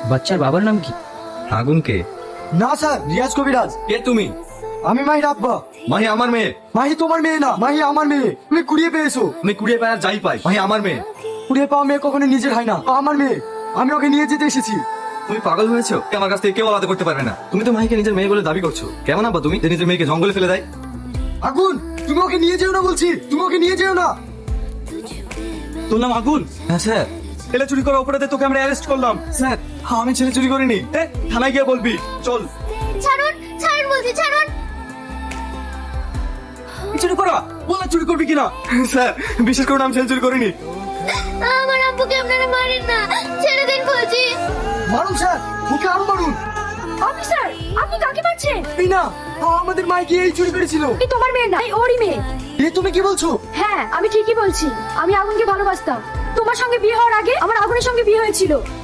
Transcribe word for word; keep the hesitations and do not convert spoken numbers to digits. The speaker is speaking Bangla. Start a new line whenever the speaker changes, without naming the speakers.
বাচ্চার বাবার নাম কি?
আগুন কে?
না স্যার, রিয়াজ কবিরাজ।
কে তুমি?
আমি মাহির আব্বা।
মাহি আমার মেয়ে।
মাহি তোমার মেয়ে না, মাহি আমার মেয়ে। তুমি কুড়িয়ে পেয়েছো।
আমি কুড়িয়ে পাই আর যাই পাই, মাহি আমার মেয়ে।
কুড়িয়ে পাওয়া মেয়ে কখনো নিজের হয় না, আমার মেয়ে। আমি ওকে নিয়ে যেতে এসেছি।
তুমি পাগল হয়েছো? আমার কাছ থেকে কেউ আলাদা করতে পারবে না। তুমি তো মাহিকে নিজের মেয়ে বলে দাবি করছো। কেমন আব্বা তুমি, যে নিজের মেয়েকে জঙ্গলে ফেলে দেয়?
আগুন, তুমি ওকে নিয়ে যেও না বলছি, তুমি ওকে নিয়ে যেও না।
তোর নাম আগুন? হ্যাঁ স্যার। ছেলে চুরি করার অপরাধে তোকে আমরা অ্যারেস্ট করলাম। স্যার আমি ছেলে চুরি করিনি। এ, থানায় গিয়ে বলবি। চল।
ছাড়ুন, ছাড়ুন বলছি, ছাড়ুন।
চুরি করা বলা, চুরি করবি কিনা? স্যার বিশেষ করে আমি ছেলে চুরি করিনি।
আমার আব্বুকে আপনারা মারেন না, ছেড়ে দিন বলছি।
মারুন স্যার, ওকে আরো মারুন।
অফিসার, আপনি কাকে মারছেন?
এই না, আমাদের মাইকে এই চুরি করেছিল।
এই তোমার মেয়ে না, এই ওরই মেয়ে।
এ তুমি কি বলছো?
হ্যাঁ, আমি ঠিকই বলছি। আমি আগুনকে ভালোবাসতাম। তোমার সঙ্গে বিয়ে হওয়ার আগে আমার আগুনের সঙ্গে বিয়ে হয়েছিল।